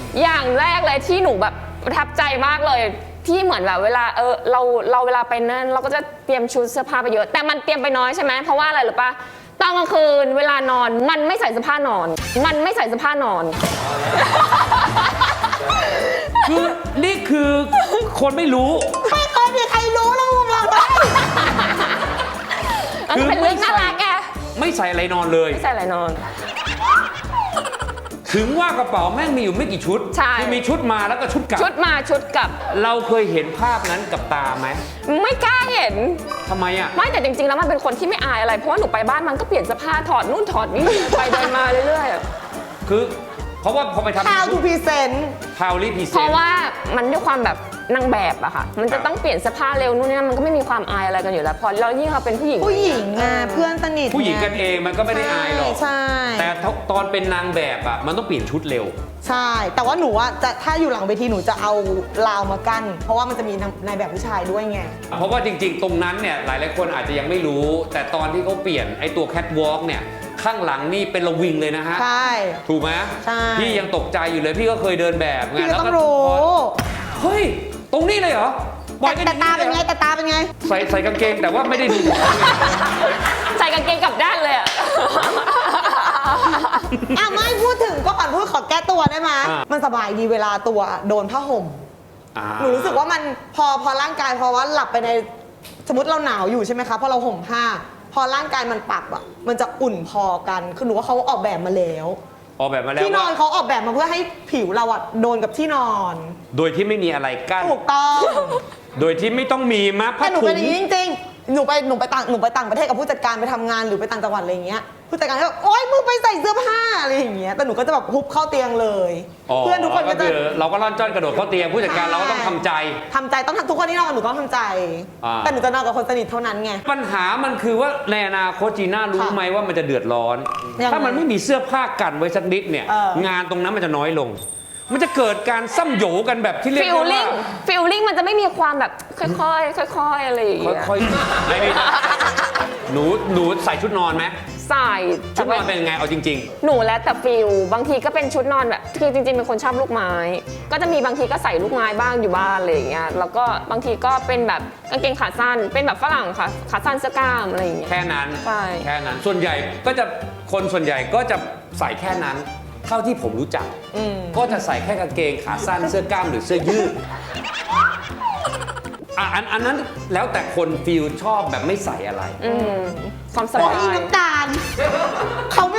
อย่างแรกเลยที่หนูแบบประทับใจมากเลยที่เหมือนแบบเวลาเราเวลาไปนั่นเราก็จะเตรียมชุดเสื้อผ้าไปเยอะแต่มันเตรียมไปน้อยใช่ไหมเพราะว่าอะไรหรือปะตอนกลางคืนเวลานอนมันไม่ใส่เสื้อผ้านอนมันไม่ใส่เสื้อผ้านอนคือนี่คือคนไม่รู้ไม่เคยมีใครรู้แล้วมึงเราได้คือเป็นเรื่องน่ารักแกไม่ใส่อะไรนอนเลยไม่ใส่อะไรนอนถึงว่ากระเป๋าแม่งมีอยู่ไม่กี่ชุดคือมีชุดมาแล้วก็ชุดกลับชุดมาชุดกลับเราเคยเห็นภาพนั้นกับตาไหมไม่กล้าเห็นทำไมอ่ะไม่แต่จริงๆแล้วมันเป็นคนที่ไม่อายอะไรเพราะว่าหนูไปบ้านมันก็เปลี่ยนเสื้อผ้าถอดนู่นถอดนี่ไปเดินมาเรื่อยๆคือเพราะว่าพอไปทำ How to present เพราะว่ามันด้วยความแบบนางแบบอะค่ะมันจะต้องเปลี่ยนเสื้อผ้าเร็วนู่นนี่มันก็ไม่มีความอายอะไรกันอยู่แล้วพอเรายิ่งเราเป็นผู้หญิงอ่ะเพื่อนสนิทผู้หญิงกันเองมันก็ไม่ได้อายหรอกใช่แต่ตอนเป็นนางแบบอะมันต้องเปลี่ยนชุดเร็วใช่แต่ว่าหนูอะจะถ้าอยู่หลังเวทีหนูจะเอาราวมากั้นเพราะว่ามันจะมีนายแบบผู้ชายด้วยไงเพราะว่าจริงๆตรงนั้นเนี่ยหลายๆคนอาจจะยังไม่รู้แต่ตอนที่เขาเปลี่ยนไอ้ตัวแคทวอล์กเนี่ยข้างหลังนี่เป็นระวิงเลยนะฮะใช่ถูกไหมใช่พี่ยังตกใจอยู่เลยพี่ก็เคยเดินแบบไงแล้วก็รู้เฮ้ยตรงนี้เลยเหรอแต่ตาเป็นไงแต่ตาเป็นไงใส่กางเกงแต่ว่าไม่ได้ดูใส่กางเกงกลับด้านเลยอะไม่พูดถึงก็ก่อนพูดขอแก้ตัวได้ไหมมันสบายดีเวลาตัวโดนผ้าห่มหนูรู้สึกว่ามันพอร่างกายพอว่าหลับไปในสมมติเราหนาวอยู่ใช่ไหมคะพอเราห่มผ้าพอร่างกายมันปรับอ่ะมันจะอุ่นพอกันคือหนูว่าเขาออกแบบมาแล้วที่นอนเขาออกแบบมาเพื่อให้ผิวเราอ่ะโดนกับที่นอนโดยที่ไม่มีอะไรกั้นถูกต้องโดยที่ไม่ต้องมีมาผ้าถุงแต่หนูเป็นอย่างนี้จริงๆหนูไปต่างประเทศกับผู้จัดการไปทำงานหรือไปต่างจังหวัดอะไรอย่างเงี้ยผู้จัดการก็แบบโอ๊ยมึงไปใส่เสื้อผ้าอะไรอย่างเงี้ยแต่หนูก็จะแบบฮุบเข้าเตียงเลยเพื่อนทุกคนก็จะเราก็ร่อนจ้อนกระโดดเข้าเตียงผู้จัดการเราก็ต้องทำใจต้องทุกคนที่นอนกับหนูต้องทำใจแต่หนูจะนอนกับคนสนิทเท่านั้นไงปัญหามันคือว่าในอนาคตจีน่ารู้ไหมว่ามันจะเดือดร้อนถ้ามันไม่มีเสื้อผ้ากันไว้สักนิดเนี่ยงานตรงนั้นมันจะน้อยลงมันจะเกิดการซ้ำโหยกันแบบที่เรียกว่าฟีลลิ่งมันจะไม่มีความแบบค่อยๆอะไรอย่างเงี้ยค่อยๆไม่หนูใส่ชุดนอนไหมใส่ชุดนอนเป็นยังไงเอาจริงๆหนูแล้วแต่ฟีลบางทีก็เป็นชุดนอนแบบคือจริงๆเป็นคนชอบลูกไม้ก็จะมีบางทีก็ใส่ลูกไม้บ้างอยู่บ้านอะไรอย่างเงี้ยแล้วก็บางทีก็เป็นแบบกางเกงขาสั้นเป็นแบบฝรั่งค่ะขาสั้นเสื้อกล้ามอะไรอย่างเงี้ยแค่นั้นใช่แค่นั้นส่วนใหญ่ก็จะคนส่วนใหญ่ก็จะใส่แค่นั้นเท่าที่ผมรู้จักก็จะใส่แค่กางเกงขาสั้นเสื้อกล้ามหรือเสื้อยืดอันนั้นแล้วแต่คนฟีลชอบแบบไม่ใส่อะไรความสบายน้ำตาลเขาไม่